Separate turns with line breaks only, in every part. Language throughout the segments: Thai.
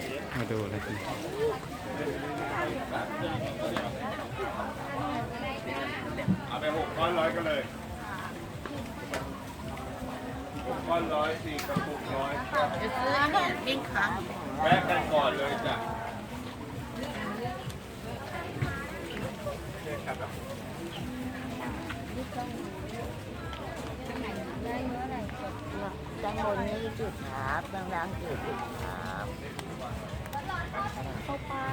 มาดูเลยสิ
เอาไป6 ก้อน100กันเลย6 ก้อน100 4 กระปุก100
จะซื้อเนี่ยปิ้งครั้ง
แวะกันก่อนเลยจ้ะ
ด้านบนนี่จุดครับด้านล่างจุดครับข้าวปลา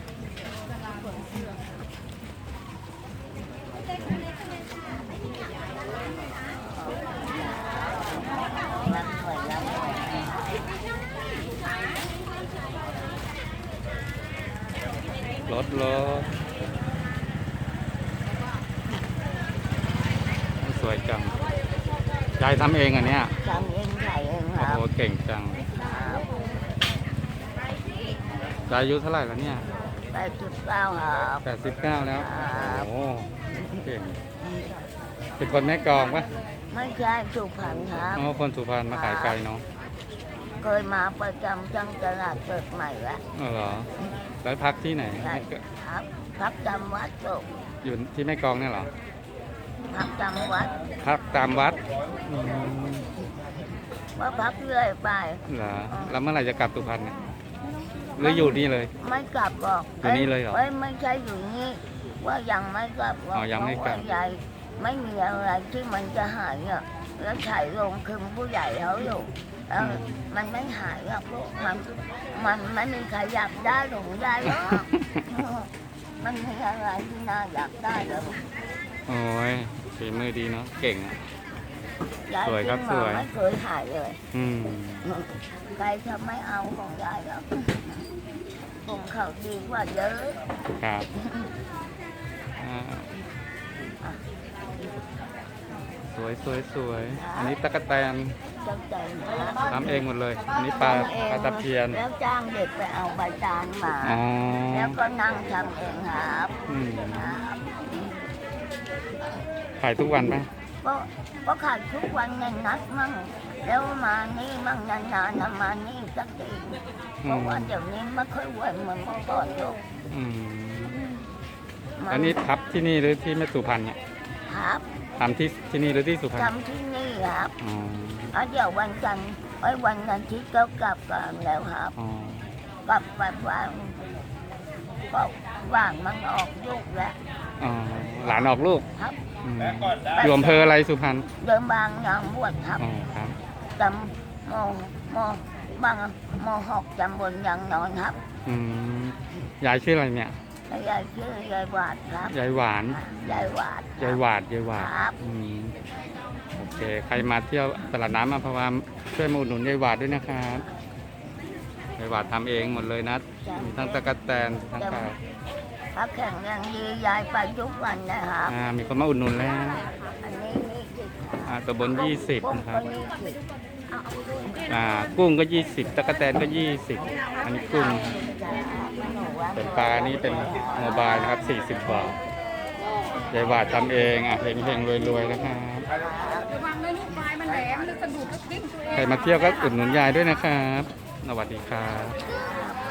รถสวยจังยายทำเองอันเนี้ย
ทำเองขายเองค
โอ้
รับ
โหเก่งจังยายอายุเท่าไหร่แล้วเนี่ย
89ครับ
89แล้วโอ้เก่งเป็นคนแม่กลองปะ
ไม่ใช่สุพรรณครับ
อ๋อคนสุพรรณมาขายไก่เนาะ
เคยมาประจำจังตลาดเกิดใหม่แล้ว
อ๋อเหรอแล้วพักที่ไหน
ครับพักจำวัดตก
อยู่ที่แม่กลองเนี่ยเหรอ
พักจำวัด
พักตามวัด
ว่าพักเรื่อยไป
เหรอแล้วเมื่อไหร่จะกลับสุพรรณเนี่ยหรืออยู่นี่เลย
ไม่กลับบอก
อยู่นี่เลยเหรอ
ไม่ใช่อยู่นี่ว่ายังไม่กลับ
อ๋อยังไม่กลับ
ใหญ่ไม่มีอะไรที่มันจะหายอ่ะแล้วถ่ายลงคือผู้ใหญ่เขาอยู่แล้วมันไม่หายหรอกมันไม่มีใครอยากได้หลงได้หรอกมันมีอะไรที่น่าอยากได้เลย
โอ้ยฝีมือดีเนาะเก่งอ่ะสวยครับสวย
ไม่เคยหายเลยใครจะไม่เอาของยายหรอกผมเขาดีกว่าเยอะ
ครับสวยอันนี้ตะกั่วแตนทำเองหมดเลยอันนี้ปลาตะเพียน
แล้วจ้างเด็กไปเอาใบจานมาแล้วก็นั่งทำเองครับ
ขายทุกวันไหม
ก็ขายทุกวันในนัดมั่งแล้วมานี่มั่งนานๆมานี่สักทีเพราะว่าเดี๋ยวนี้ไม่ค่อยไหวเหมือนเมื่อก่อนหรอก
อันนี้ทับที่นี่หรือที่แม่สุพรรณเนี่ย
ครับ
ทำที่นี่หรือที่สุพรรณ
ทำที่นี่ครับเดี๋ยววันจันทร์วันอาทิตย์ก็กลับกันแล้วครับกลับไปว่างมันออกลูกแล้ว
หลานออกลูก
ครับ
อยู่อำเภออะไรสุพรรณ
เดิมบางนางบวชครับจำบางม.6 จำบนยางนอนครับ
ยายชื่ออะไรเนี่ย
ยายชื่อยายหวาดครับ
ยายหวาน
ยายหวาด
ครับโอเคใครมาเที่ยวตลาดน้ำอัมพวาช่วยมาอุดหนุนยายหวาดด้วยนะครับยายหวาดทำเองหมดเลยนะมีทั้งตะกั่วแตนทั้งปลา
พักแข่งยังดียายไปทุกวันนะครับ
มีคนมาอุดหนุนแล้ว
อันนี้
ตัวบน20นะครับกุ้งก็20ตะกั่วแตนก็20อันนี้กุ้งส่วนปลานี่เป็นโมบายนะครับ40 บาทยายหวาดทำเองเฮงๆรวยๆนะครับใครมาเที่ยวก็อุดหนุนยายด้วยนะครับสวัสดีครับ